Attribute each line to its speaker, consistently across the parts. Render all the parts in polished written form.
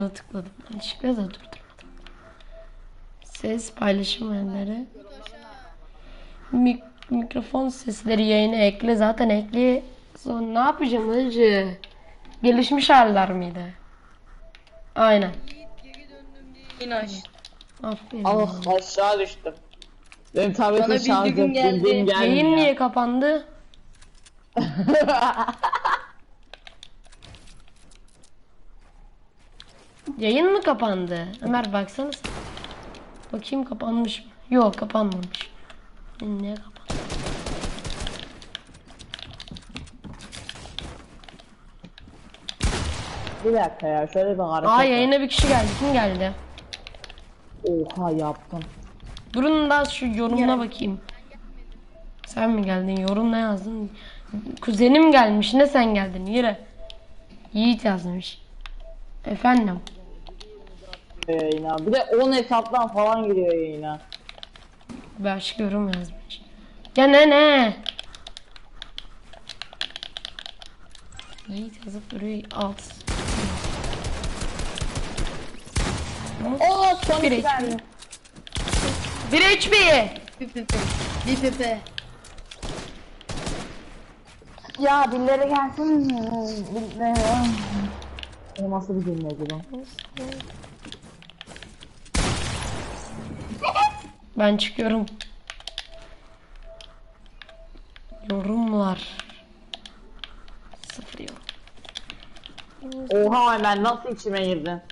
Speaker 1: Tıkladım. Yanlışlıkla da durdurmadım. Ses paylaşım yerleri. Mikrofon sesleri yayına ekle. Zaten ekle. Sonra ne yapacağım hacı? Gelişmiş haller miydi? Aynen.
Speaker 2: Yine aç.
Speaker 1: Aferin.
Speaker 3: Ah aşağı düştüm. Benim
Speaker 2: Bana
Speaker 3: tabletim şarj
Speaker 2: bildirim geldi.
Speaker 3: ettiğim gelmiyor.
Speaker 1: Yayın niye kapandı? Yayın mı kapandı? Ömer baksanız. Bakayım kapanmış mı? Yok kapanmamış. Ne kapandı?
Speaker 3: Bir dakika ya şöyle bir hareket.
Speaker 1: Aa yayına bir kişi geldi. Kim geldi?
Speaker 3: Oha yaptım.
Speaker 1: Durun da şu yorumuna bakayım. Sen mi geldin? Yorum ne yazdın? Kuzenim gelmiş. Ne sen geldin? Yürü. Yiğit yazmış. Efendim.
Speaker 3: Yayına. Bir de 10 hesaptan falan giriyor yayına.
Speaker 1: Başka yorum yazmış. Ya ne? Yiğit yazıp duruyor. Alt.
Speaker 3: Oo son
Speaker 1: Bir
Speaker 3: iki
Speaker 1: HP.
Speaker 3: tane.
Speaker 1: Bir HP.
Speaker 2: Bir pepe.
Speaker 3: Ya birileri gelsin. O nasıl bir cümle acaba?
Speaker 1: Ben çıkıyorum. Yorumlar. Sıfır yorum.
Speaker 3: Oha ben nasıl içime girdin?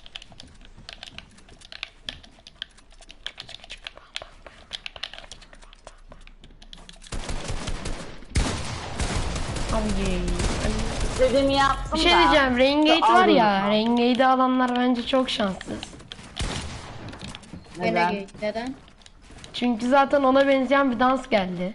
Speaker 1: Abi.
Speaker 3: İstediğimi yaptım
Speaker 1: Bir şey
Speaker 3: da.
Speaker 1: diyeceğim. Raingate var
Speaker 3: Aldım.
Speaker 1: ya. Raingate'i alanlar bence çok şanssız.
Speaker 2: Gene
Speaker 3: Neden?
Speaker 2: geç. Neden?
Speaker 1: Çünkü zaten ona benzeyen bir dans geldi.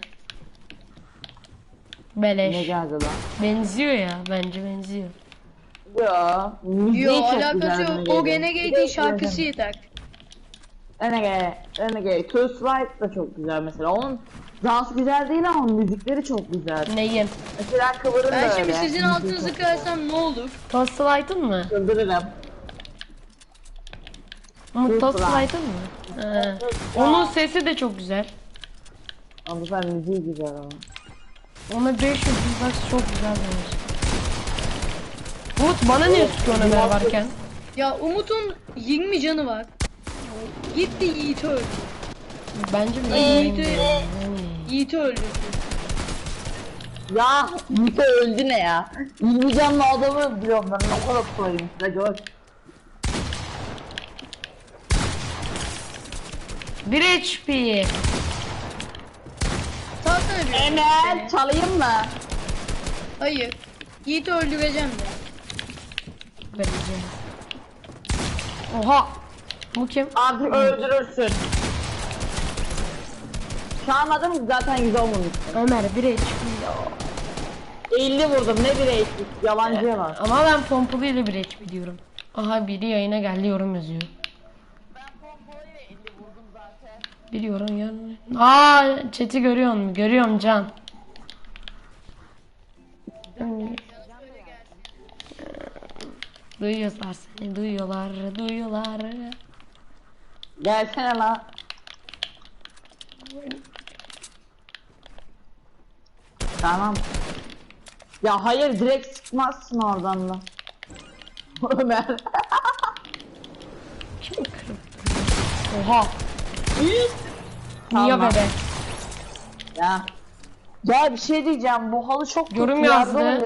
Speaker 3: Ne
Speaker 1: Beleş.
Speaker 3: geldi lan?
Speaker 1: Benziyor ya. Bence benziyor.
Speaker 3: Yo. Müziği
Speaker 2: Yo
Speaker 3: çok
Speaker 2: alakası
Speaker 3: güzel
Speaker 2: yok.
Speaker 3: Renegade'in.
Speaker 2: O Renegade'in şarkısı yeter.
Speaker 3: Renegade. Toast Right da çok güzel mesela. Onun dans güzel değil ama müzikleri çok güzel.
Speaker 1: Neyim?
Speaker 3: Mesela kıvırın
Speaker 2: Ben
Speaker 3: da
Speaker 2: şimdi
Speaker 3: öyle.
Speaker 2: sizin altınızı kırarsam ne olur?
Speaker 1: Toast Light'ın mı?
Speaker 3: Kıldırırım.
Speaker 1: Umut Toast
Speaker 3: Toast Light.
Speaker 1: Light'ın mı? He. Onun sesi de çok güzel.
Speaker 3: Ama bu sefer müziği güzel ama.
Speaker 1: Ona 500 bak çok güzel bence. Umut bana niye tutuyor Ömer varken?
Speaker 2: Ya Umut'un 20 canı var. Gitti Yiğit'i öldü.
Speaker 1: Bence de
Speaker 2: Yiğit'i öldü.
Speaker 3: Ya Mito öldü ne ya? 20 canlı adamı biliyorum ben ne kadar koyayım size gör.
Speaker 1: Bir HP.
Speaker 2: Salsana bir.
Speaker 3: Emel çalayım mı?
Speaker 2: Hayır. Yiğit'i öldüreceğim de.
Speaker 1: Vereceğim. Oha. Bu kim?
Speaker 3: Artık öldürürsün. Çalmadım zaten 110 vurmuştum.
Speaker 1: Ömer bir HP ya.
Speaker 3: 50 vurdum ne bir eksik yalancıya var.
Speaker 1: Ama ben pompalıyla bir HP diyorum. Aha biri yayına geldi yorum yazıyor. Bir yorum yani. Aa chat'i görüyor musun? Görüyorum Can. Duyuyorlar seni, duyuyorlar.
Speaker 3: Gelsene lan. Tamam. Ya hayır direkt sıkmazsın oradan da. Ömer.
Speaker 1: Kim kırıp? Oha.
Speaker 3: Tamam.
Speaker 1: Niye bebe?
Speaker 3: Ya. Ya bir şey diyeceğim bu halı çok
Speaker 1: Yorum
Speaker 3: kötü
Speaker 1: yazdı.
Speaker 3: yardım-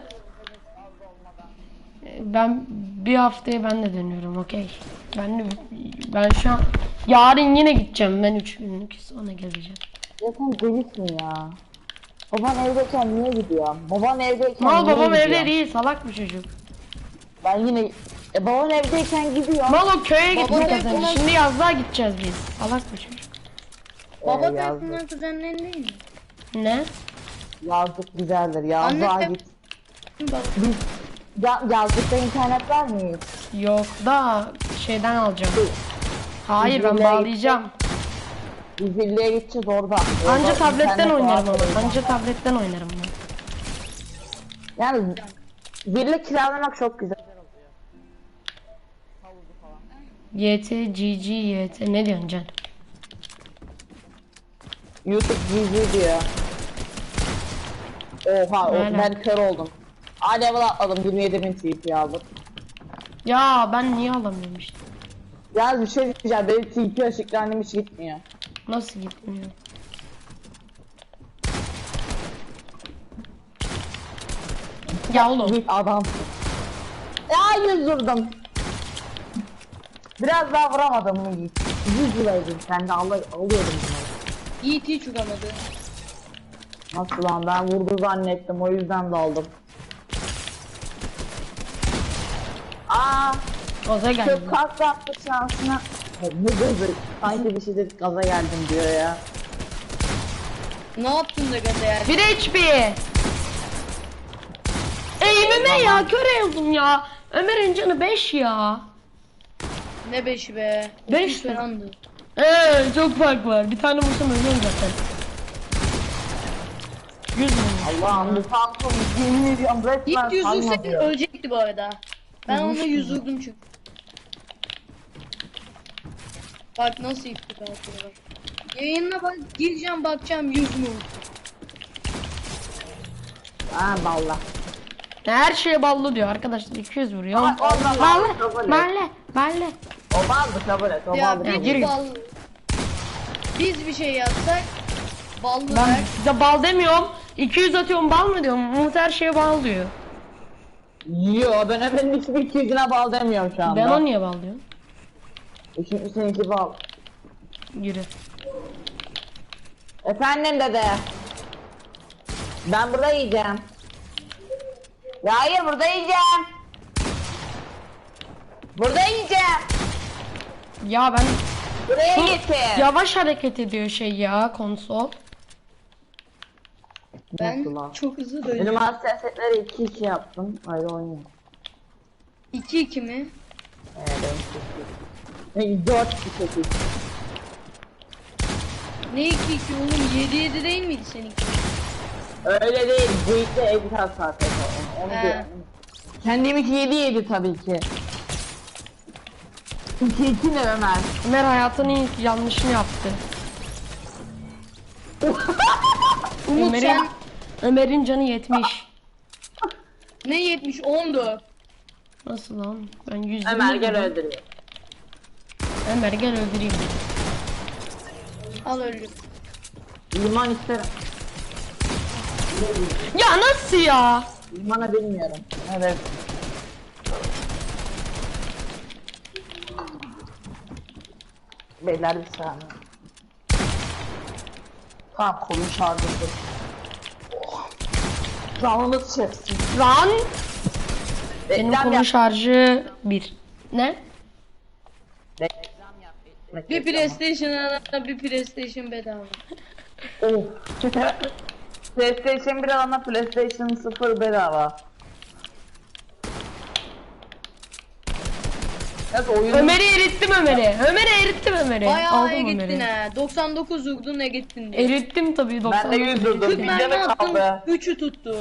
Speaker 1: Ben bir haftaya ben de dönüyorum okey. Ben şu an yarın yine gideceğim. Ben 3 günlük sonra geleceğim.
Speaker 3: Ya sen delisin ya. Baban evdeyken niye gidiyor? Baban evdeyken
Speaker 1: Mal
Speaker 3: niye
Speaker 1: babam
Speaker 3: gidiyor?
Speaker 1: evde değil, salak bir çocuk.
Speaker 3: Ben yine... baban evdeyken gidiyor.
Speaker 1: Mal o köye
Speaker 2: Baba
Speaker 1: gitmek
Speaker 2: da
Speaker 1: kazandı.
Speaker 2: falan-
Speaker 1: Şimdi yazlığa gideceğiz biz. Salak bir çocuk.
Speaker 2: Baba
Speaker 3: yazdık.
Speaker 2: tarafından kuzenlerin değil mi?
Speaker 1: Ne?
Speaker 3: Yazdık güzeldir. Yazlığa
Speaker 2: Anne-
Speaker 3: git.
Speaker 2: Baba.
Speaker 3: Yazlıkta internet var mı hiç?
Speaker 1: Yok da şeyden alacağım. Hayır ben
Speaker 3: Bizimle
Speaker 1: bağlayacağım.
Speaker 3: Biz birliğe gideceğiz orada.
Speaker 1: Anca
Speaker 3: Orada
Speaker 1: tabletten
Speaker 3: internet
Speaker 1: oynarım
Speaker 3: var.
Speaker 1: ama. Anca tabletten oynarım ben.
Speaker 3: Yani birlik kiralamak çok güzel oluyor.
Speaker 1: YT, GG, YT. Ne diyorsun Can?
Speaker 3: YouTube GG diyor. Oha
Speaker 1: Aynen.
Speaker 3: ben kör oldum. A level atladım 27.000 TP aldım.
Speaker 1: Ya ben niye alamıyorum işte?
Speaker 3: Ya bir şey diyeceğim benim TP ışıklarım hiç gitmiyor.
Speaker 1: Nasıl gitmiyor? Ya oğlum.
Speaker 3: Git adam. Ya 100 vurdum. Biraz daha vuramadım mı Yiğit? 100 liraydın sen de alıyordum bunları.
Speaker 2: Yiğit hiç vuramadı.
Speaker 3: Nasıl lan ben vurdu zannettim o yüzden daldım. Aa,
Speaker 1: Gaza geldi.
Speaker 3: çok kalk yaptı şansına. Ne gözü? Sanki bir şey dedik gaza geldim diyor ya.
Speaker 2: Ne yaptın da gaza yani?
Speaker 1: 1 HP. Eğimime ya kör oldum ya. Ömer'in canı 5 ya.
Speaker 2: Ne beşi be?
Speaker 1: 5
Speaker 2: 200 falandı.
Speaker 1: Çok fark var. Bir tane vursam ölüyorum zaten. 100 mü?
Speaker 3: Allah'ım bu Samsung yemin ediyorum resmen
Speaker 2: Yiğit 100 vursaydı
Speaker 3: sanmıyor.
Speaker 2: ölecekti bu arada. Ben ona
Speaker 1: Vurmuştum
Speaker 2: 100
Speaker 1: zaten.
Speaker 2: vurdum çünkü. Bak nasıl iptik altına bak. Yayınına bak, gireceğim bakacağım 100 mu?
Speaker 3: Ha valla.
Speaker 1: Her şeye ballı diyor arkadaşlar 200 vuruyor.
Speaker 3: Ama o da
Speaker 1: Balle,
Speaker 3: kabul et.
Speaker 1: balle.
Speaker 3: O baldı kabul et o
Speaker 2: Ya
Speaker 3: baldı.
Speaker 1: Ya,
Speaker 2: bir
Speaker 1: gir.
Speaker 2: bal... Biz bir şey yapsak ballı
Speaker 1: Ben
Speaker 2: ver.
Speaker 1: size bal demiyorum. 200 atıyorum bal mı diyorum. Umut her şeye bal diyor.
Speaker 3: Yo ben efendim hiçbir 200'üne bal demiyorum şu anda.
Speaker 1: Ben o niye bal diyorum?
Speaker 3: Çünkü seninki bal.
Speaker 1: Yürü.
Speaker 3: Efendim dede. Ben burada yiyeceğim. Ya hayır burada yiyeceğim. Burada yiyeceğim.
Speaker 1: Ya ben
Speaker 3: Buraya
Speaker 1: çok
Speaker 3: getir.
Speaker 1: yavaş hareket ediyor şey ya konsol.
Speaker 2: Ben
Speaker 3: Nasıl lan?
Speaker 2: çok hızlı
Speaker 3: Benim
Speaker 2: dönüyorum.
Speaker 3: hassasiyetleri 2-2 yaptım. Ayrı oynuyorum.
Speaker 2: 2-2 mi?
Speaker 3: Ben 4 8.
Speaker 2: Ne 2-2 oğlum? 7-7 değil miydi seninki?
Speaker 3: Öyle değil. Bu işte edit hassasiyeti. Onu
Speaker 2: He.
Speaker 3: diyorum. Kendiminki 7 tabii ki. 2-2 ne Ömer?
Speaker 1: Ömer hayatının ilk yanlışını yaptı.
Speaker 2: Umut
Speaker 1: Ömer'in
Speaker 2: sen
Speaker 1: Ömer'in canı 70.
Speaker 2: ne 70? 14.
Speaker 1: Nasıl lan? Ben 120.
Speaker 3: Ömer gel
Speaker 1: vurdum.
Speaker 3: öldürüyor.
Speaker 1: Ömer gel öldüreyim.
Speaker 2: Al öldüm.
Speaker 3: Liman isterim.
Speaker 1: Ya nasıl ya?
Speaker 3: Limanı bilmiyorum. Evet. Beyler bir saniye. Tamam kolum şarjı. Oh. Canınız çeksin.
Speaker 1: Lan benim
Speaker 3: Reklam
Speaker 1: kolun
Speaker 3: yap.
Speaker 1: şarjı 1. Ne?
Speaker 3: Reklam yap.
Speaker 2: Bir PlayStation alana bir PlayStation bedava.
Speaker 3: Oh. PlayStation 1 alana PlayStation 0 bedava. Evet oyunu
Speaker 1: Ömer'i erittim Ömer'i. Ömer'i erittim Ömer'i.
Speaker 2: Bayağı
Speaker 1: Aldım
Speaker 2: iyi gittin
Speaker 1: Ömer'i.
Speaker 2: ha. 99 vurdun ne gittin diye.
Speaker 1: Erittim tabii 90.
Speaker 3: Ben de 100 vurdum.
Speaker 2: 40
Speaker 3: Bir
Speaker 2: mermi
Speaker 3: canı
Speaker 2: attın
Speaker 3: kaldı.
Speaker 2: 3'ü tuttu.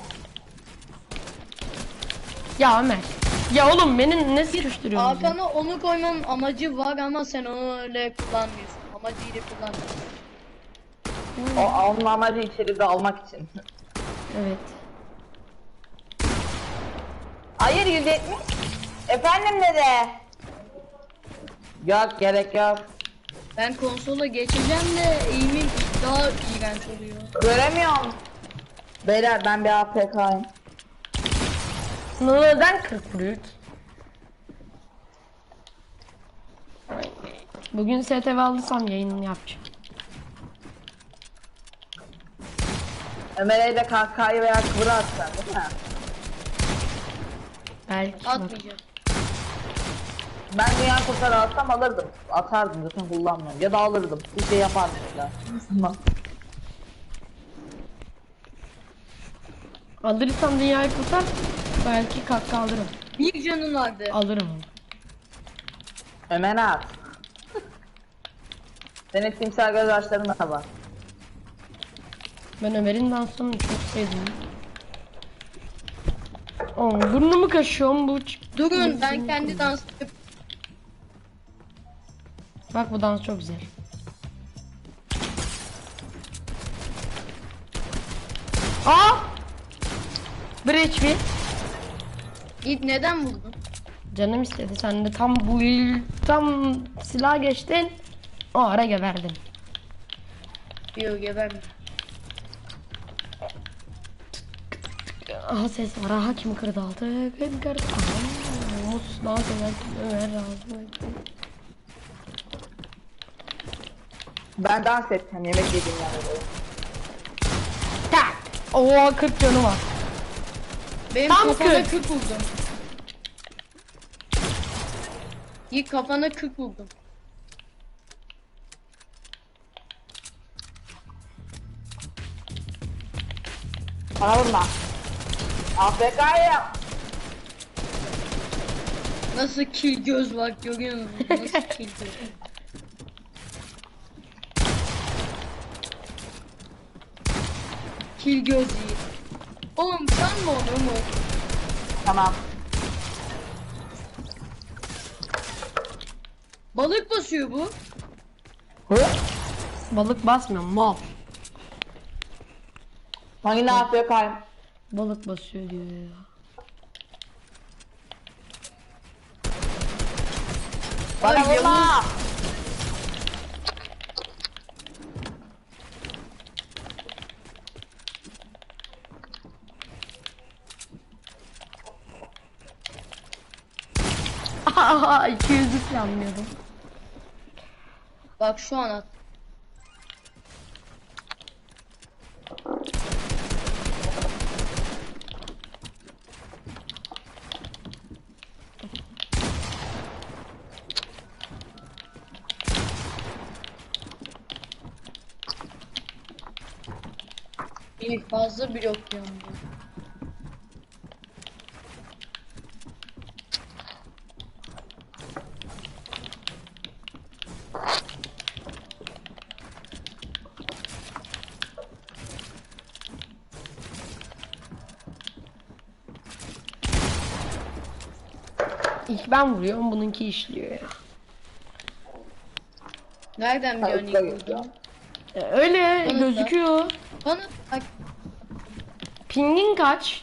Speaker 1: Ya Ömer. Ya oğlum beni ne sıkıştırıyorsun? ya?
Speaker 2: Hakan'a onu koymanın amacı var ama sen onu öyle kullanmıyorsun. Amacıyla kullanmıyorsun.
Speaker 3: Onun amacı içeride almak için.
Speaker 1: Evet.
Speaker 3: Hayır 170. Efendim dede. Yok gerek yok.
Speaker 2: Ben konsola geçeceğim de eğimim daha iğrenç oluyor.
Speaker 3: Göremiyorum. Beyler ben bir APK'yim.
Speaker 1: Neden 40 vuruyor? Bugün STV alırsam yayınını yapacağım.
Speaker 3: Ömer'e de KK'yı veya kıvırı atsan değil mi?
Speaker 1: Belki. bak.
Speaker 2: Atmayacağım.
Speaker 3: Ben dünya kurtarı alsam alırdım. Atardım zaten kullanmıyorum. Ya da alırdım. Bir şey yapardım ya. Tamam.
Speaker 1: Alırsam dünyayı kurtar. Belki kakka alırım.
Speaker 2: Bir canın vardı.
Speaker 1: Alırım onu.
Speaker 3: Ömer at. Senin timsah göz açların da var.
Speaker 1: Ben Ömer'in dansını çok sevdim. Oğlum burnumu kaşıyorum bu.
Speaker 2: Durun ben kendi dans
Speaker 1: Bak bu dans çok güzel. Aa! Bir HP.
Speaker 2: Yiğit neden vurdun?
Speaker 1: Canım istedi. Sen de tam silah geçtin. O ara geberdin.
Speaker 2: Yok geberme.
Speaker 1: Aha ses var. Aha kim kırdı altı? Kim kırdı? Aha. Umut dans ederken Ömer razı.
Speaker 3: Ben dans edeceğim yemek yedim yani.
Speaker 1: Tak. Oo 40 canı var.
Speaker 2: Benim
Speaker 1: Tam
Speaker 2: kafana
Speaker 1: kırk.
Speaker 2: 40 buldum. Yiğit kafana 40 buldum.
Speaker 3: Bana vurma. AFK'yım.
Speaker 2: Nasıl kill göz bak görüyor musun? Nasıl kill göz? Kill göz Yiğit. Oğlum sen mi onu mu?
Speaker 3: Tamam.
Speaker 2: Balık basıyor bu.
Speaker 3: Hı?
Speaker 1: Balık basmıyor. Mal.
Speaker 3: Hangi AFK'yım?
Speaker 1: Balık basıyor diyor ya.
Speaker 3: Bana
Speaker 2: Ay,
Speaker 3: vurma.
Speaker 2: Yavuz.
Speaker 1: Aha 200'lük planlıyordum.
Speaker 2: Bak şu an at. İyi fazla blok yandı.
Speaker 1: İlk ben vuruyorum, bununki işliyor ya.
Speaker 2: Nereden biliyorsun ilk vurduğunu?
Speaker 1: Öyle
Speaker 2: Bana da.
Speaker 1: gözüküyor.
Speaker 2: Bana bak
Speaker 1: Pingin kaç?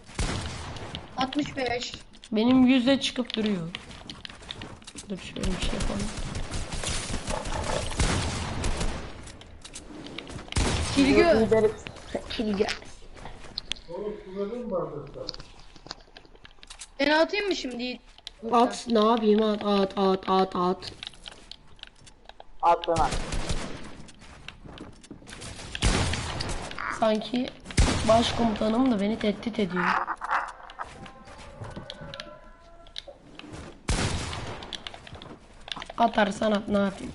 Speaker 2: 65.
Speaker 1: Benim 100'e çıkıp duruyor. Dur şöyle bir şey yapalım.
Speaker 2: Kill göz.
Speaker 1: Kilge.
Speaker 2: Ben atayım mı şimdi?
Speaker 1: At, ne yapayım, at.
Speaker 3: At bana.
Speaker 1: Sanki başkomutanım da beni tehdit ediyor. Atarsan at, ne yapayım?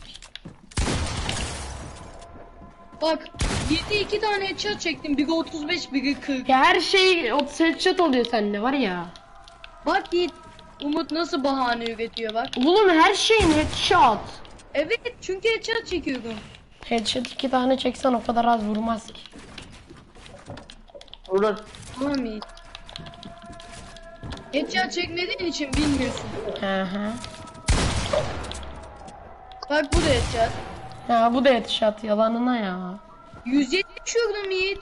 Speaker 2: Bak 7 2 tane headshot çektim. Biri 35 biri 40.
Speaker 1: Ya her şey 30 headshot oluyor sende var ya.
Speaker 2: Bak Yiğit. Umut nasıl bahane üretiyor bak.
Speaker 1: Oğlum her şeyin headshot.
Speaker 2: Evet çünkü headshot çekiyorum.
Speaker 1: Headshot 2 tane çeksen o kadar az vurmaz ki.
Speaker 3: Vurur.
Speaker 2: Tamam Yiğit. Headshot çekmediğin için bilmiyorsun.
Speaker 1: Hı hı.
Speaker 2: Bak bu da headshot.
Speaker 1: Ya bu da headshot yalanına ya.
Speaker 2: 170 vurdum Yiğit.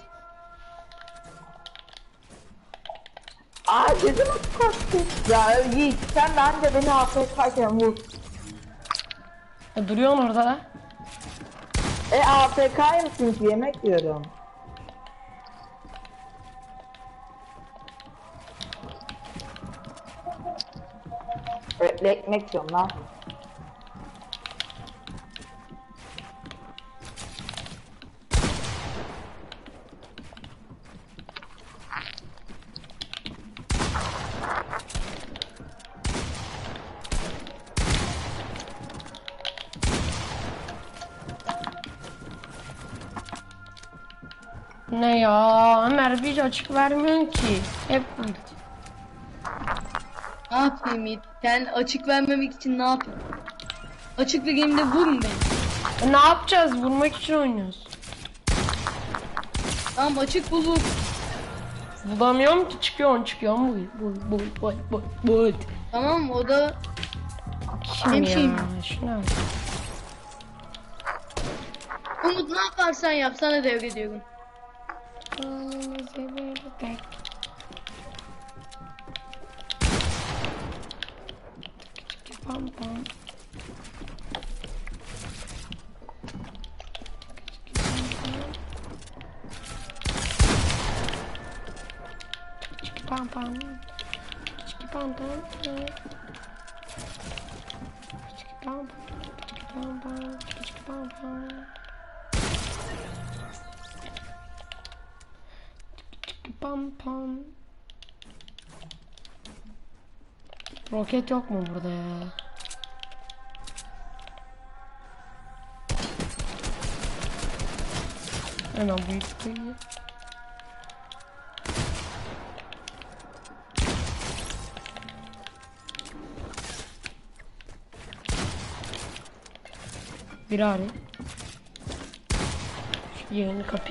Speaker 3: Aa gözüm kaçtı. Ya Yiğit sen de anca beni AFK'yken vur.
Speaker 1: Duruyorsun orada.
Speaker 3: AFK mısınız yemek yiyorum. Ekmek yiyorum lan.
Speaker 1: Ne ya? Ömer hiç açık vermiyorsun ki. Hep ulti.
Speaker 2: Ne yapayım Yiğit? Sen açık vermemek için ne yapayım? Açık vereyim vurun beni.
Speaker 1: Ne yapacağız? Vurmak için oynuyoruz.
Speaker 2: Tamam açık bulur.
Speaker 1: Bulamıyorum ki, çıkıyorum. Bu.
Speaker 2: Tamam o da
Speaker 1: Kim
Speaker 2: Benim
Speaker 1: ya?
Speaker 2: şeyim.
Speaker 1: Şuna bak.
Speaker 2: Umut ne yaparsan yap sana devrediyorum.
Speaker 1: Pam pam. Pam pam. Pam pam. Pam pam pam. Pam pam. Pam pam. Roket yok mu burada ya? Hemen büyük koyayım. Biri arıyor. Şu yayını kapayım.